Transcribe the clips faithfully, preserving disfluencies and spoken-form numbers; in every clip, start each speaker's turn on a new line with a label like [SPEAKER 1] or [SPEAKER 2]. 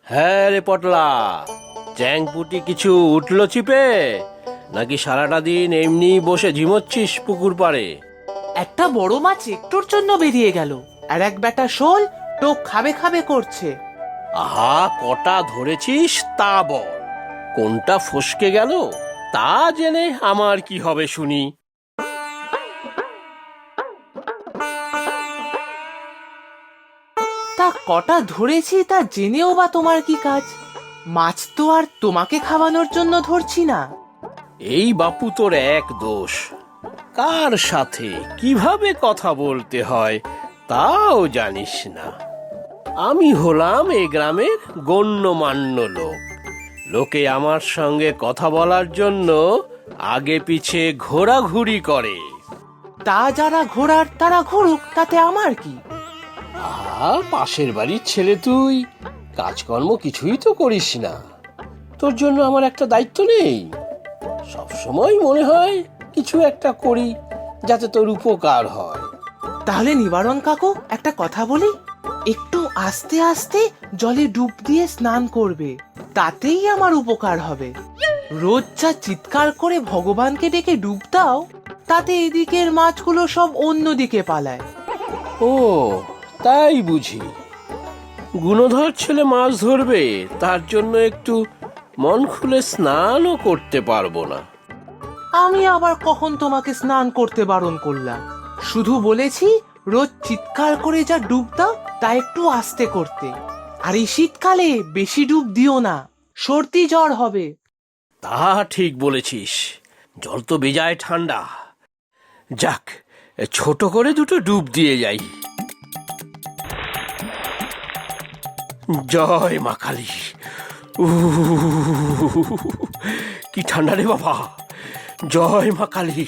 [SPEAKER 1] হ্যাঁ রে পটলা, চ্যাংপুটি কিছু উঠলো চিপে, নাকি সারাটা দিন এমনি বসে ঝিমোচ্ছিস পুকুর পাড়ে?
[SPEAKER 2] একটা বড় মাছ একটুর জন্য বেরিয়ে গেল, আর এক বেটা শোল টোক খাবে খাবে করছে।
[SPEAKER 1] আহা, কটা ধরেছিস তা বল। কোনটা ফসকে গেল তা জেনে আমার কি হবে শুনি।
[SPEAKER 2] তা কটা ধরেছি তা জেনেও বা তোমার কি কাজ? মাছ তো আর তোমাকে খাওয়ানোর জন্য ধরছি না।
[SPEAKER 1] এই বাপু তোর এক দোষ, কার সাথে কিভাবে কথা বলতে হয় তাও জানিস না। আমি হলাম এই গ্রামের গণ্যমান্য লোক। লোকে আমার সঙ্গে কথা বলার জন্য আগে পিছে ঘোরাঘুরি করে।
[SPEAKER 2] তা যারা ঘোরার তারা ঘুরুক, তাতে আমার কি?
[SPEAKER 1] আহা, পাশের বাড়ির ছেলে তুই, কাজকর্ম কিছুই তো করিস না। তোর জন্য আমার একটা দায়িত্ব নেই? সবসময় মনে হয় কিছু একটা করি যাতে তোর উপকার হয়।
[SPEAKER 2] তাহলে নিবারণ কাকু, একটা কথা বলি, একটু আস্তে আস্তে জলে ডুব দিয়ে স্নান করবে, তাতেই আমার উপকার হবে। রোজ যা চিৎকার করে ভগবানকে ডেকে ডুব দাও, তাতে এদিকের মাছগুলো সব অন্যদিকে পালায়।
[SPEAKER 1] ও, তাই বুঝি। গুণধর ছেলে মাছ ধরবে, তার জন্য একটু মন খুলে স্নানও করতে পারবো না?
[SPEAKER 2] আমি আবার কখন তোমাকে স্নান করতে বারণ করলাম? শুধু বলেছি রোজ চিৎকার করে যা ডুব দাও তা একটু আস্তে করতে। আর এই শীতকালে বেশি ডুব দিও না, সর্দি জ্বর হবে।
[SPEAKER 1] তা ঠিক বলেছিস, জল তো বেজায় ঠান্ডা। যাক, ছোট করে দুটো ডুব দিয়ে যাই। জয় মা কালী। উহ, কি ঠান্ডা রে বাবা। জয় মা কালী।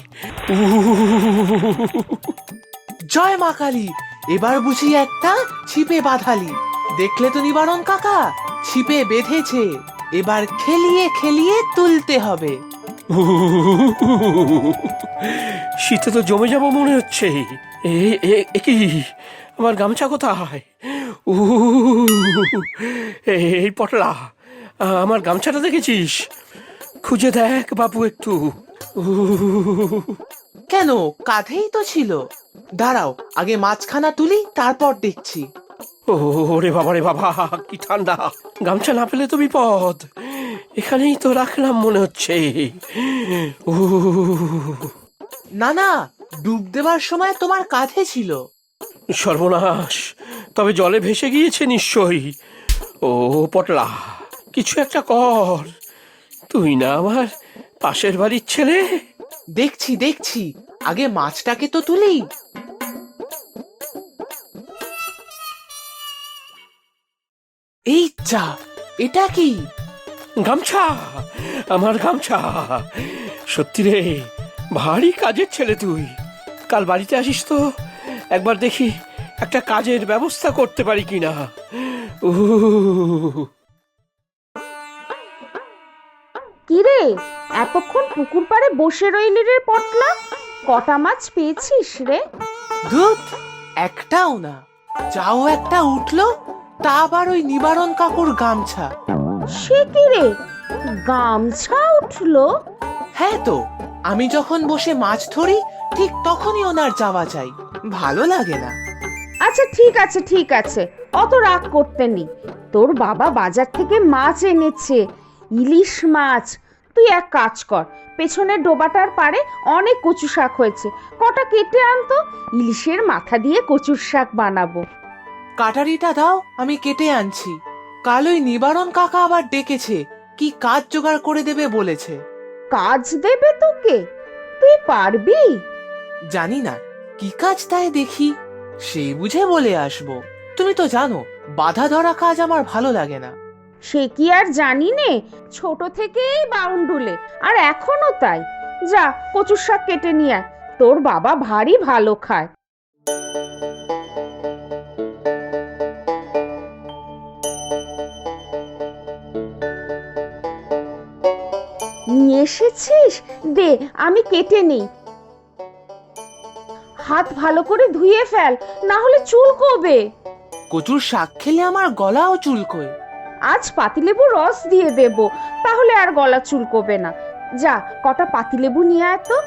[SPEAKER 1] উহ,
[SPEAKER 2] জয় মা কালী। এবার বুঝি একটা ছিপে বাঁধালি। দেখলে তো নিবারণ কাকা, ছিপে বেঁধেছে, এবার খেলিয়ে খেলিয়ে তুলতে হবে।
[SPEAKER 1] শীতে তো জমে যাবো মনে হচ্ছে। এ এ- এ কি, আমার গামছা কোথায়? উহ, এই পটলা, আমার গামছাটা দেখেছিস? খুঁজে দেখ বাবু একটু। উহ,
[SPEAKER 2] কেন, কাঁধেই তো ছিল। দাঁড়াও, আগে মাছখানা তুলি, তারপর দেখছি।
[SPEAKER 1] ওরে বাবা রে বাবা, কি ঠান্ডা। গামছা না পেলে তো বিপদ। এখানেই তো রাখলাম মনে হচ্ছে। উহ,
[SPEAKER 2] না না, ডুব দেওয়ার সময় তোমার কাঁধে ছিল।
[SPEAKER 1] সর্বনাশ, তবে জলে ভেসে গিয়েছে নিশ্চয়ই। ও পটলা, কিছু একটা কর। তুই না আমার পাশের বাড়ির ছেলে?
[SPEAKER 2] দেখছি দেখছি, আগে মাছটাকে তো তুলি। এই যা, এটা কি?
[SPEAKER 1] গামছা, আমার গামছা। সত্যি রে, ভারী কাজের ছেলে তুই। কাল বাড়িতে আসিস তো, একবার দেখি একটা কাজের ব্যবস্থা করতে পারি কিনা। উহ,
[SPEAKER 3] কিরে, এতক্ষণ পুকুর পাড়ে বসে রইলি রে পটলা? কটা মাছ পেয়েছিস রে?
[SPEAKER 2] দুধ একটাও না। যাও একটা উঠলো, তা আবার ওই নিবারণ কাকুর গামছা।
[SPEAKER 3] সে কি রে, গামছা উঠলো?
[SPEAKER 2] হ্যাঁ তো, আমি যখন বসে মাছ ধরি ঠিক তখনই ওনার যাওয়া চাই, ভালো লাগে না।
[SPEAKER 3] আচ্ছা ঠিক আছে ঠিক আছে, অত রাগ করতে নেই। তোর বাবা বাজার থেকে মাছ এনেছে, ইলিশ মাছ। তুই এক কাজ কর, পেছনের ডোবাটার পাড়ে অনেক কচু শাক হয়েছে, কটা কেটে আনতো, ইলিশের মাথা দিয়ে কচুর শাক বানাবো।
[SPEAKER 2] কাটারিটা দাও, আমি কেটে আনছি। কাল ওই নিবারণ কাকা আবার ডেকেছে, কি কাজ জোগাড় করে দেবে বলেছে।
[SPEAKER 3] কাজ দেবে তোকে? তুই পারবি?
[SPEAKER 2] জানি না কি কাজ, তাই দেখি, সেই বুঝে বলে আসবো। তুমি তো জানো বাধা ধরা কাজ আমার ভালো লাগে না।
[SPEAKER 3] সে কি আর জানি নে, ছোট থেকেই বাউন্ডুলে, আর এখনো তাই। যা কচুর শাক কেটে নিয়ে আয়, তোর বাবা ভারী ভালো খায়। নিয়ে এসেছিস? দে আমি কেটে নেই। হাত ভালো করে ধুয়ে ফেল, না হলে চুলকোবে।
[SPEAKER 2] কচুর শাক খেলে আমার গলাও চুলকোয়।
[SPEAKER 3] আজ পাতিলেবু রস দিয়ে দেব, তাহলে আর গলা চুলকোবে না। যা, কটা পাতিলেবু নিয়ে আয় তো।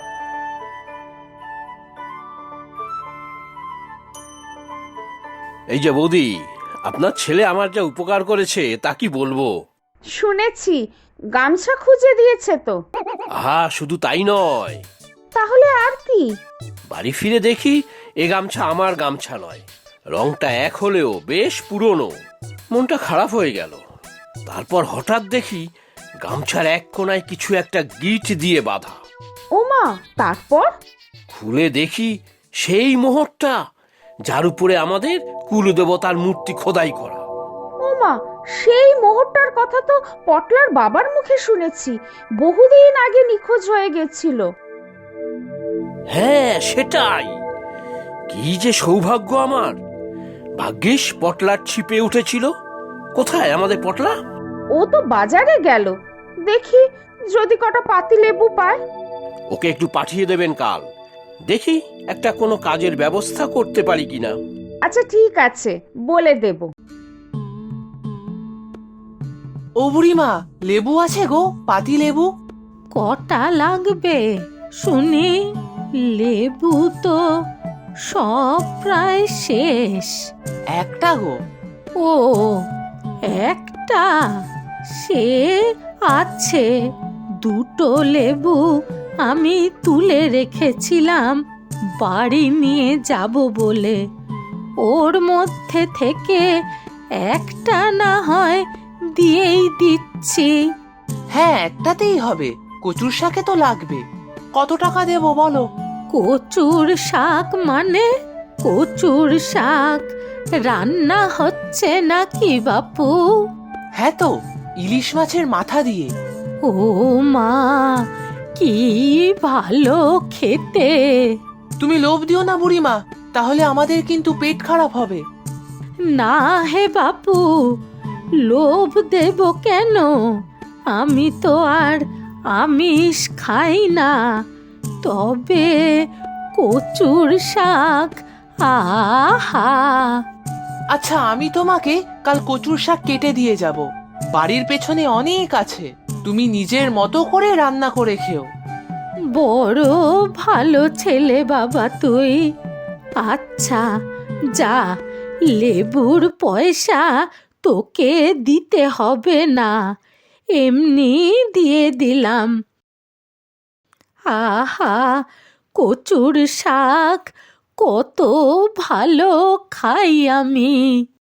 [SPEAKER 1] এই যে বৌদি, আপনার ছেলে আমার যা উপকার করেছে তা কি বলবো।
[SPEAKER 3] শুনেছি গামছা খুঁজে দিয়েছে তো।
[SPEAKER 1] আহা, শুধু তাই নয়,
[SPEAKER 3] তাহলে আর কি?
[SPEAKER 1] বাড়ি ফিরে দেখি এ গামছা আমার গামছা নয়, রংটা এক হলেও বেশ পুরনো। মনটা খারাপ হয়ে গেল। তারপর হঠাৎ দেখি গামছার এক কোণায় কিছু একটা গিট দিয়ে বাঁধা।
[SPEAKER 3] ওমা, তারপর?
[SPEAKER 1] খুলে দেখি সেই মোহরটা, যার উপরে আমাদের কুলদেবতার মূর্তি খোদাই করা।
[SPEAKER 3] ওমা, সেই মোহরটার কথা তো পটলার বাবার মুখে শুনেছি, বহুদিন আগে নিখোঁজ হয়ে গেছিল।
[SPEAKER 1] হ্যাঁ, সেটাই। কি যে সৌভাগ্য আমার! ভাগ্যিস পটলার ছিপে উঠেছিল। কোথায় আমাদের পটলা?
[SPEAKER 3] ও তো বাজারে গেল, দেখি যদি কটা পাতিলেবু পায়।
[SPEAKER 1] ওকে একটু পাঠিয়ে দেবেন কাল, দেখি একটা কোনো কাজের ব্যবস্থা করতে পারি কিনা।
[SPEAKER 3] আচ্ছা ঠিক আছে, বলে দেব।
[SPEAKER 2] ও বুড়িমা, লেবু আছে গো, পাতি লেবু।
[SPEAKER 4] কটা লাগবে শুনি? লেবু তো সব প্রায় শেষ।
[SPEAKER 2] একটা গো।
[SPEAKER 4] ও, একটা? সে আছে। দুটো লেবু আমি তুলে রেখেছিলাম বাড়ি নিয়ে যাব বলে। ওর মধ্যে থেকে একটা না হয় দিয়েই দিচ্ছি।
[SPEAKER 2] হ্যাঁ, একটাতেই হবে, কচুর শাকে তো লাগবে। কত টাকা দেবো বলো?
[SPEAKER 4] কচুর শাক মানে? কচুর শাক রান্না হচ্ছে নাকি বাপু?
[SPEAKER 2] হ্যাঁ তো, ইলিশ মাছের মাথা দিয়ে।
[SPEAKER 4] ও মা, কি ভালো খেতে!
[SPEAKER 2] তুমি লোভ দিও না বুড়িমা, তাহলে আমাদের কিন্তু পেট খারাপ হবে।
[SPEAKER 4] না হে বাপু, লোভ দেব কেন? আমি তো আর আমিষ খাই না। তবে কচুর শাক, আহা!
[SPEAKER 2] আচ্ছা, আমি তোমাকে কাল কচুর শাক কেটে দিয়ে যাব। বাড়ির পেছনে অনেক আছে, তুমি নিজের মতো করে রান্না করে খেও।
[SPEAKER 4] বড় ভালো ছেলে বাবা তুই। আচ্ছা যা, লেবুর পয়সা তোকে দিতে হবে না, এমনি দিয়ে দিলাম। আহা, কচুর শাক কত ভালো খাই আমি।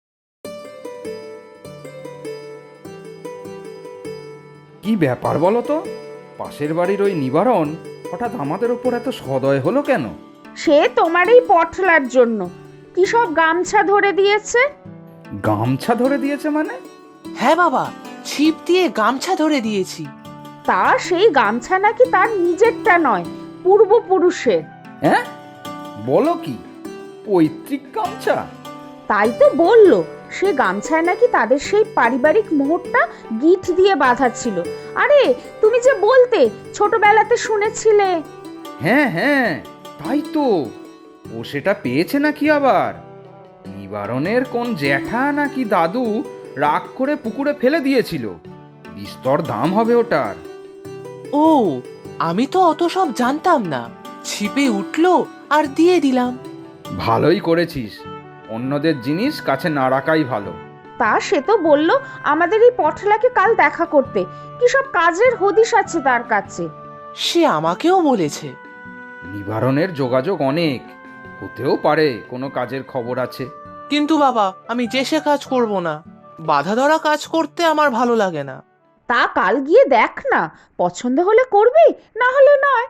[SPEAKER 5] কি ব্যাপার বলো তো? পাশের বাড়ির ওই নিবারণ হঠাৎ আমাদের ওপর এত সদয় হলো কেন?
[SPEAKER 3] সে তোমার এই পটলার জন্য। কি সব গামছা ধরে দিয়েছে।
[SPEAKER 5] গামছা ধরে দিয়েছে মানে?
[SPEAKER 2] হ্যাঁ বাবা, ছিপ দিয়ে গামছা ধরে দিয়েছি।
[SPEAKER 3] তা সেই গামছা নাকি তার নিজেরটা নয়, পূর্বপুরুষের।
[SPEAKER 5] হ্যাঁ, বলো কি? পৈতৃক গামছা?
[SPEAKER 3] তাই তো বললো, সে গামছায় নাকি তাদের সেই পারিবারিক মোহরটা গিট দিয়ে বাঁধা ছিল। আরে তুমি যে বলতে ছোটবেলাতে শুনেছিলে।
[SPEAKER 5] হ্যাঁ হ্যাঁ, তাই তো। ও সেটা পেয়েছে নাকি আবার? নিবারণের কোন জ্যাঠা নাকি দাদু রাগ করে পুকুরে ফেলে দিয়েছিল। বিস্তর দাম হবে ওটার।
[SPEAKER 2] ও, আমি তো অত সব জানতাম না। ছিপে উঠলো আর দিয়ে দিলাম।
[SPEAKER 5] ভালোই করেছিস, অন্যদের জিনিস কাছে না রাখাই ভালো।
[SPEAKER 3] তা সে তো বললো আমাদের এই পটলাকে কাল দেখা করতে, কি সব কাজের হদিশ আছে তার কাছে।
[SPEAKER 2] সে আমাকেও বলেছে।
[SPEAKER 5] নিবারণের যোগাযোগ অনেক, হতেও পারে কোনো কাজের খবর আছে।
[SPEAKER 2] কিন্তু বাবা, আমি যে সে কাজ করব না। বাধা ধরা কাজ করতে আমার ভালো লাগে না।
[SPEAKER 3] তা কাল গিয়ে দেখ না, পছন্দ হলে করবি, না হলে নয়।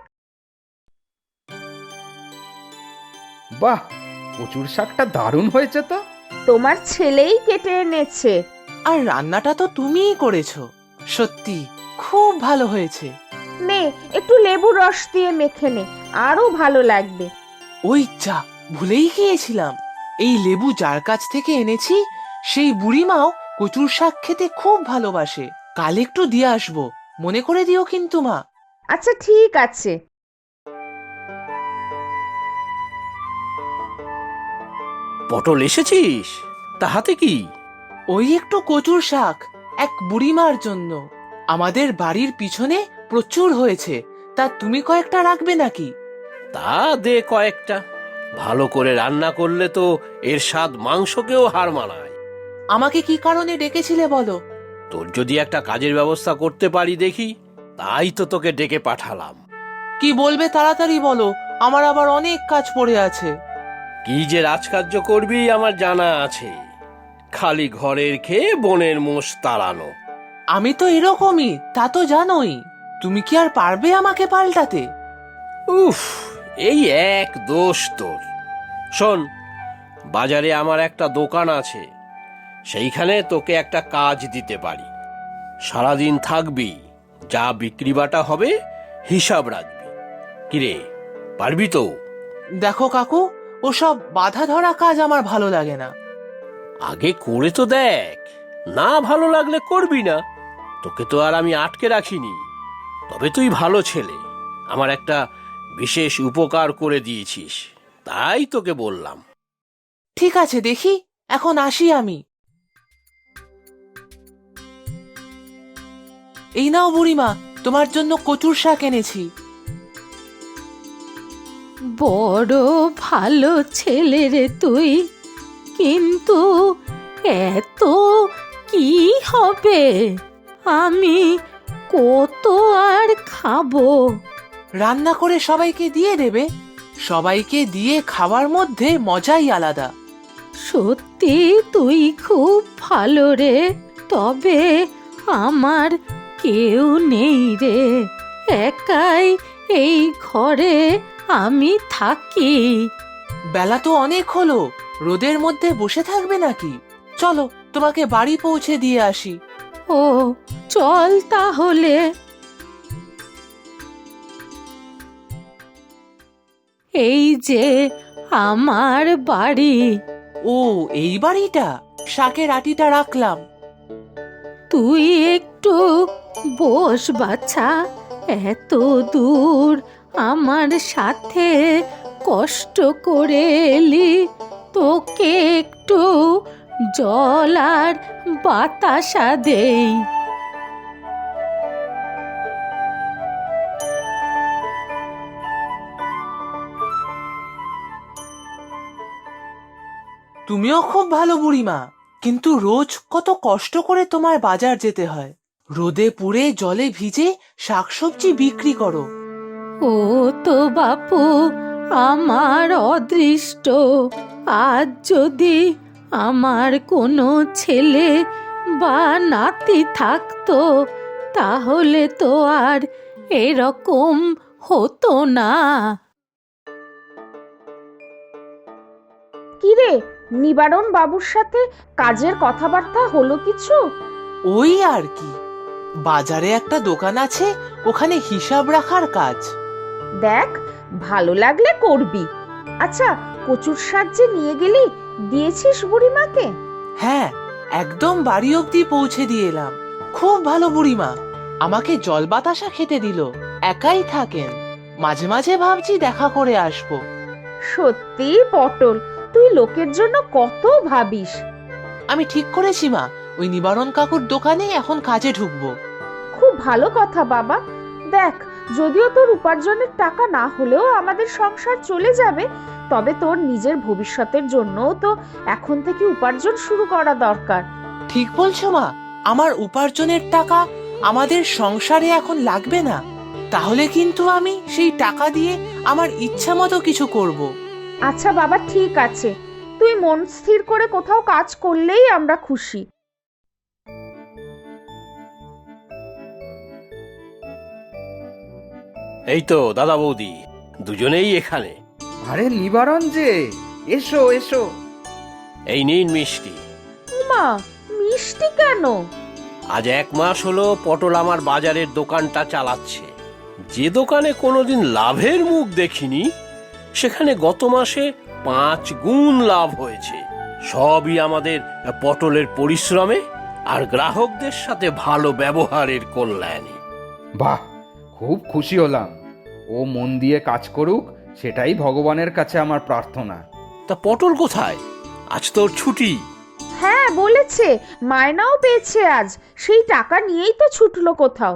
[SPEAKER 5] বাহ, কচুর শাকটা দারুণ হয়েছে তো।
[SPEAKER 3] তোমার ছেলেই কেটে এনেছে।
[SPEAKER 2] আর রান্নাটা তো তুমিই করেছো। সত্যি খুব ভালো হয়েছে।
[SPEAKER 3] নে একটু লেবু রস দিয়ে মেখে নে, আরো ভালো লাগবে।
[SPEAKER 2] ওই যা, ভুলেই গিয়েছিলাম। এই লেবু যার কাছ থেকে এনেছি সেই বুড়িমাও কচুর শাক খেতে খুব ভালোবাসে। কাল একটু দিয়ে আসবো, মনে করে দিও কিন্তু মা।
[SPEAKER 3] আচ্ছা ঠিক আছে।
[SPEAKER 1] পটল এসেছিস? তা হাতে কি?
[SPEAKER 2] ওই একটু কচুর শাক, এক বুড়িমার জন্য। আমাদের বাড়ির পিছনে প্রচুর হয়েছে, তা তুমি কয়েকটা রাখবে নাকি?
[SPEAKER 1] তা দে কয়েকটা। ভালো করে রান্না করলে তো এর স্বাদ মাংসকেও হার মানায়।
[SPEAKER 2] আমাকে কি কারণে ডেকেছিলে বলো?
[SPEAKER 1] তোর যদি একটা কাজের ব্যবস্থা করতে পারি দেখি, তাই তো তোকে ডেকে পাঠালাম।
[SPEAKER 2] কি বলবে তাড়াতাড়ি বলো, আমার আবার অনেক কাজ পড়ে আছে।
[SPEAKER 1] কি যে রাজকার্য করবি আমার জানা আছে, খালি ঘরের খেয়ে বনের মোষ তাড়ানো।
[SPEAKER 2] আমি তো এরকমই, তা তো জানোই। তুমি কি আর পারবে আমাকে পাল্টাতে?
[SPEAKER 1] উফ, এই এক দোষ তোর। শোন, বাজারে আমার একটা দোকান আছে, সেইখানে তোকে একটা কাজ দিতে পারি। সারাদিন থাকবি, যা বিক্রি বাটা হবে হিসাব রাখবি। কিরে, পারবি তো?
[SPEAKER 2] দেখো কাকু, ওসব বাধা ধরা কাজ আমার ভালো লাগে না।
[SPEAKER 1] আগে করে তো দেখ, না ভালো লাগলে করবি না। তোকে তো আর আমি আটকে রাখিনি। তবে তুই ভালো ছেলে, আমার একটা বিশেষ উপকার করে দিয়েছিস, তাই তোকে বললাম।
[SPEAKER 2] ঠিক আছে, দেখি, এখন আসি আমি। এই নাও বুড়িমা, তোমার জন্য কচুর শাক এনেছি।
[SPEAKER 4] বড় ভালো ছেলে রে তুই, কিন্তু এত কি হবে? আমি কত আর খাবো?
[SPEAKER 2] রান্না করে সবাইকে দিয়ে দেবে। সবাইকে দিয়ে খাওয়ার মধ্যে মজাই আলাদা।
[SPEAKER 4] সত্যি তুই খুব ভালো রে, তবে আমার কেউ নেই রে, একাই এই ঘরে আমি থাকি।
[SPEAKER 2] বেলা তো অনেক হলো, রোদের মধ্যে বসে থাকবে নাকি? চলো, তোমাকে বাড়ি পৌঁছে দিয়ে আসি।
[SPEAKER 4] ও চল তাহলে। এই যে আমার বাড়ি।
[SPEAKER 2] ও, এই বাড়িটা? শাকের আটিটা রাখলাম।
[SPEAKER 4] তুই একটু বস বাছা, এত দূর আমার সাথে কষ্ট করে এলি, তোকে একটু জল আর বাতাসা দেই।
[SPEAKER 2] তুমিও খুব ভালো বুড়িমা, কিন্তু রোজ কত কষ্ট করে তোমার বাজার যেতে হয়। রোদে পুড়ে জলে ভিজে শাকসবজি বিক্রি করো।
[SPEAKER 4] ও তো বাপু আমার অদৃষ্ট। আজ যদি আমার কোনো ছেলে বা নাতি থাকতো, তাহলে তো আর এরকম হতো না।
[SPEAKER 3] কিরে, নিবারণ বাবুর সাথে কাজের কথাবার্তা হলো কিছু?
[SPEAKER 2] ওই আর কি, বাজারে একটা দোকান আছে, ওখানে হিসাব রাখার কাজ।
[SPEAKER 3] দেখ, ভালো লাগলে করবি। আচ্ছা, কচুর শাক যে নিয়ে গেলি, দিয়েছিস বুড়িমাকে?
[SPEAKER 2] হ্যাঁ, একদম বাড়ি অবধি পৌঁছে দিয়ে এলাম। খুব ভালো বুড়িমা, আমাকে জল বাতাসা খেতে দিল। একাই থাকেন, মাঝে মাঝে ভাবছি দেখা করে আসবো।
[SPEAKER 3] সত্যি পটল, তুই লোকের জন্য কত ভাবিস।
[SPEAKER 2] আমি ঠিক করেছি মা, ওই নিবারণ কাকুর দোকানে এখন কাজে ঢুকবো।
[SPEAKER 3] খুব ভালো কথা বাবা। দেখ, যদিও তোর উপার্জনের টাকা না হলেও আমাদের সংসার চলে যাবে, তবে তোর নিজের ভবিষ্যতের জন্যও তো এখন থেকে উপার্জন শুরু করা দরকার।
[SPEAKER 2] ঠিক বলছো মা, আমার উপার্জনের টাকা আমাদের সংসারে এখন লাগবে না। তাহলে কিন্তু আমি সেই টাকা দিয়ে আমার ইচ্ছা মতো কিছু করব।
[SPEAKER 3] আচ্ছা বাবা, ঠিক আছে, তুই মন স্থির করে কোথাও কাজ করলেই আমরা খুশি।
[SPEAKER 1] এই তো দাদা বৌদি, দুজনেই এখানে।
[SPEAKER 5] আরে নিবারণ যে, এসো এসো।
[SPEAKER 1] এই নিন মিষ্টি।
[SPEAKER 3] মা, মিষ্টি কেন?
[SPEAKER 1] আজ এক মাস হলো পটল আমার বাজারের দোকানটা চালাচ্ছে। যে দোকানে কোনোদিন লাভের মুখ দেখিনি, সেখানে গত মাসে পাঁচ গুণ লাভ হয়েছে। সবই আমাদের পটলের পরিশ্রমে আর গ্রাহকদের সাথে ভালো ব্যবহারের কল্যাণে।
[SPEAKER 5] বাহ, খুব খুশি হলাম। ও মন দিয়ে কাজ করুক, সেটাই ভগবানের কাছে আমার প্রার্থনা।
[SPEAKER 1] তা পটল কোথায়? আজ তোর ছুটি।
[SPEAKER 3] হ্যাঁ বলেছে, মায়নাও পেয়েছে আজ, সেই টাকা নিয়েই তো ছুটলো কোথাও।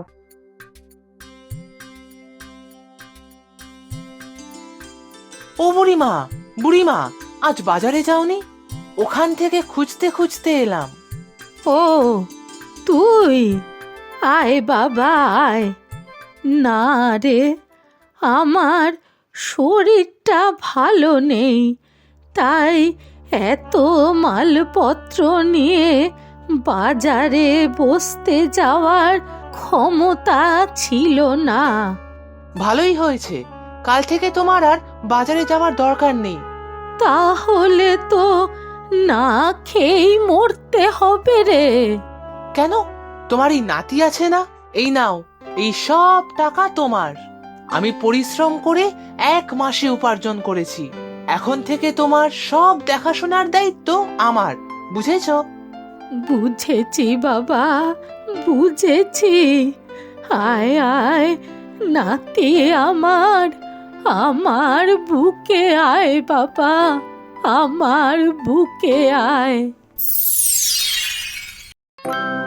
[SPEAKER 2] ও বুড়িমা, বুড়িমা, আজ বাজারে যাওনি? ওখান থেকে খুঁজতে খুঁজতে এলাম।
[SPEAKER 4] ও তুই, আয় বাবা আয়। না রে, আমার শরীরটা ভালো নেই, তাই এত মালপত্র নিয়ে বাজারে বসতে যাওয়ার ক্ষমতা ছিল না।
[SPEAKER 2] ভালোই হয়েছে, কাল থেকে তোমার আর বাজারে যাওয়ার দরকার নেই।
[SPEAKER 4] তাহলে তো না খেয়েই মরতে হবে রে।
[SPEAKER 2] কেন? তোমার এই নাতি আছে না? এই নাও, এই সব টাকা তোমার। আমি পরিশ্রম করে এক মাসে উপার্জন করেছি। এখন থেকে তোমার সব দেখাশোনার দায়িত্ব আমার, বুঝেছো?
[SPEAKER 4] বুঝেছি বাবা, বুঝেছি। আয় আয় নাতি আমার, আমার বুকে আয় বাবা, আমার বুকে আয়।